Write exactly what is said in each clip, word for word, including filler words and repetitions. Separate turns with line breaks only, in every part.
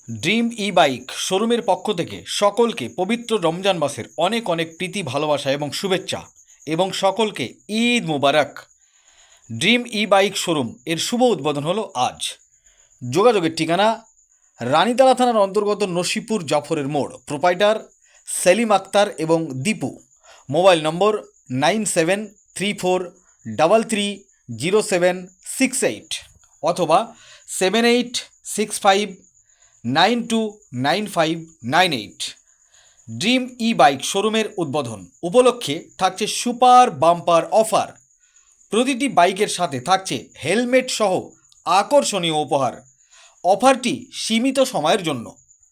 Dream E bike শোরুমের পক্ষ থেকে সকলকে পবিত্র রমজান মাসের অনেক অনেক প্রীতি ভালোবাসা এবং শুভেচ্ছা এবং সকলকে Eid Mubarak. Dream E bike showroom এর শুভ উদ্বোধন হলো আজ। যোগাযোগের ঠিকানা রানীতলা থানার অন্তর্গত নসিপুর জাফরের মোড়। প্রোপাইটার সেলিম আক্তার এবং Dipu. Mobile number nine seven three four double three zero seven six eight অথবা seven eight six five nine two nine five nine eight. Dream E bike শোরুমের উদ্বোধন উপলক্ষে থাকছে সুপার বাম্পার অফার। প্রতিটি বাইকের সাথে থাকছে হেলমেট সহ আকর্ষণীয় উপহার। অফারটি সীমিত সময়ের জন্য।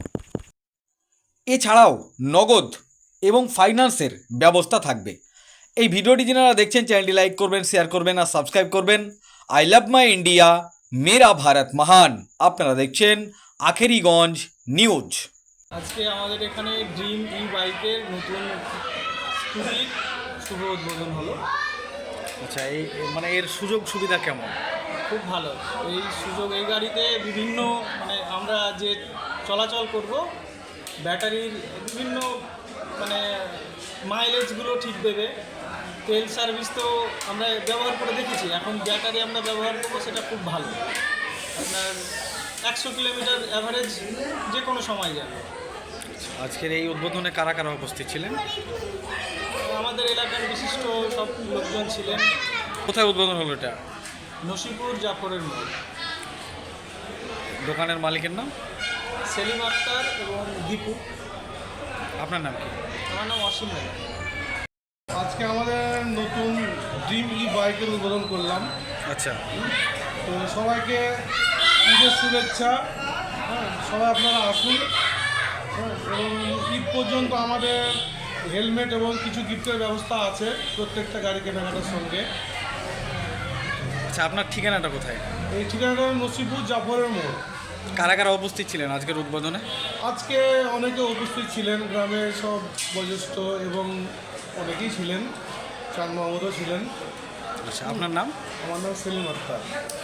এছাড়াও নগদ এবং ফাইন্যান্সের ব্যবস্থা থাকবে। এই ভিডিওটি যারা দেখছেন চ্যানেলটি লাইক করবেন, শেয়ার করবেন আর সাবস্ক্রাইব করবেন। আই লাভ মাই ইন্ডিয়া, মেরা ভারত মহান। আপনারা দেখছেন আখেরিগঞ্জ নিউজ।
আজকে আমাদের এখানে ড্রিম ই বাইকের নতুন স্কুটির শুভ উদ্বোধন হলো।
আচ্ছা, এই মানে এর সুযোগ সুবিধা কেমন?
খুব ভালো এই সুযোগ। এই গাড়িতে বিভিন্ন মানে আমরা যে চলাচল করব, ব্যাটারির বিভিন্ন মানে মাইলেজগুলো ঠিক দেবে। তেল সার্ভিস তো আমরা ব্যবহার করে দেখেছি, এখন ব্যাটারি আমরা ব্যবহার করবো, সেটা খুব ভালো। আপনার একশো কিলোমিটার অ্যাভারেজ যে কোনো সময় যাবে।
আজকের এই উদ্বোধনে কারা কারা উপস্থিত ছিলেন?
আমাদের এলাকার বিশিষ্ট সব লোকজন ছিলেন।
কোথায় উদ্বোধন হলো এটা?
নসিপুর জাফরের মোড়।
দোকানের মালিকের নাম?
সেলিম আক্তার এবং দীপু।
আপনার নাম কি?
আমার নাম অসীম রায়।
আজকে আমাদের নতুন ড্রিম ই বাইকের উদ্বোধন করলাম।
আচ্ছা,
তো সবাইকে ঈদের শুভেচ্ছা। হ্যাঁ, সবাই আপনারা আসুন। হ্যাঁ, এবং ঈদ পর্যন্ত আমাদের হেলমেট এবং কিছু গিফটের ব্যবস্থা আছে প্রত্যেকটা গাড়ি কেনাকাটার সঙ্গে।
আচ্ছা, আপনার ঠিকানাটা কোথায়?
এই ঠিকানাটা নসিপুর জাফরের মোড়।
কারা কারা উপস্থিত ছিলেন আজকের উদ্বোধনে?
আজকে অনেকে উপস্থিত ছিলেন, গ্রামের সব বয়োজ্যেষ্ঠ এবং অনেকেই ছিলেন, চাঁদ মাহমুদও ছিলেন।
আচ্ছা, আপনার নাম?
আমার নাম সেলিম আক্তার।